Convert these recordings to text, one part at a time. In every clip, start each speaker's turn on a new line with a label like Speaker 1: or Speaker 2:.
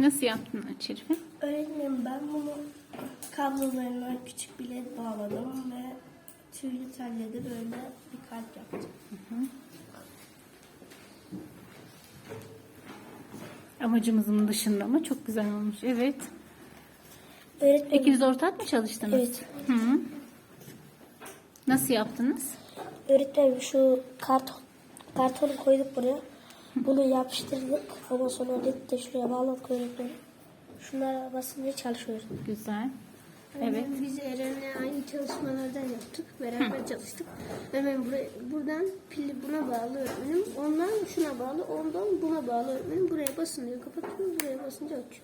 Speaker 1: Nasıl yaptın Şerife?
Speaker 2: Öğretmenim ben bunu kablolarına küçük bir led bağladım ve tüylü telle de böyle bir kalp yaptım.
Speaker 1: Amacımızın dışında ama çok güzel olmuş. Evet.
Speaker 2: Öğretmenim,
Speaker 1: İkiniz ortak mı çalıştınız?
Speaker 2: Evet.
Speaker 1: Hı. Nasıl yaptınız?
Speaker 2: öğretmenim şu kartonu koyduk buraya. Bunu yapıştırdık. Ondan sonra led de şuraya bağladık öğretmenim. Şunlara basınca çalışıyoruz.
Speaker 1: Güzel. Evet.
Speaker 3: Biz Eren'le aynı çalışmalardan yaptık. Beraber çalıştık. Hemen buradan pili buna bağlı öğretmenim. Ondan şuna bağlı, ondan buna bağlı öğretmenim. Buraya basınca kapatıyor, buraya basınca açıyor.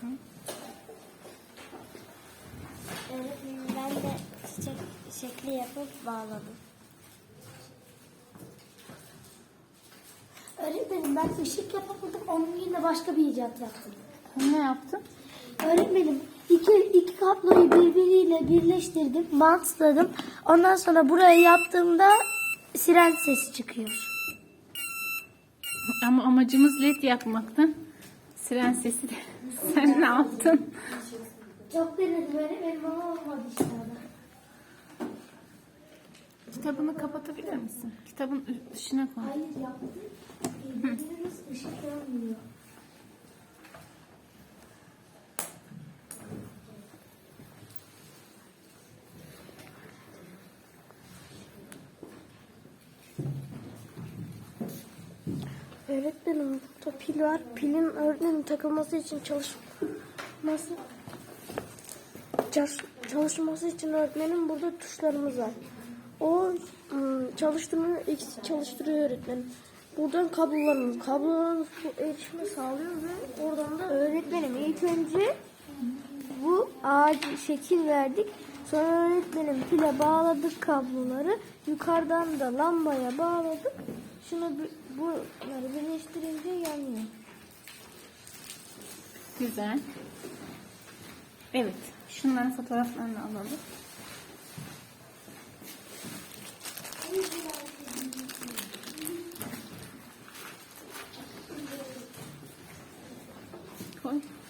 Speaker 2: Öğretmenim ben de çiçek şekli yapıp bağladım. Öğretmenim ben ışık yapamadım. Onun yerine başka bir icat yaptım.
Speaker 1: Ne yaptın?
Speaker 2: Öğretmenim iki kabloyu birbiriyle birleştirdim, bantladım. Ondan sonra buraya yaptığımda siren sesi çıkıyor.
Speaker 1: Ama amacımız led yapmaktı. Siren sesi de. Sen ne yaptın?
Speaker 2: Çok denedim öğretmenim ama olmadı işte.
Speaker 1: Kitabını kapatabilir misin? Kitabın dışına koy.
Speaker 2: Hayır yaptım. Birbirimiz ışık yanmıyor. Öğretmenim burada pil var. Pilin öğretmenim takılması için çalışması için öğretmenim burada tuşlarımız var. O çalıştırıyor öğretmenim. Buradan kablolarımız bu erişime sağlıyor ve oradan da öğretmenim ilk önce bu ağacı şekil verdik. Sonra öğretmenim pile bağladık kabloları. Yukarıdan da lambaya bağladık. Bunları birleştirince yanıyor.
Speaker 1: Güzel. Evet. Şunların fotoğraflarını alalım. Koy.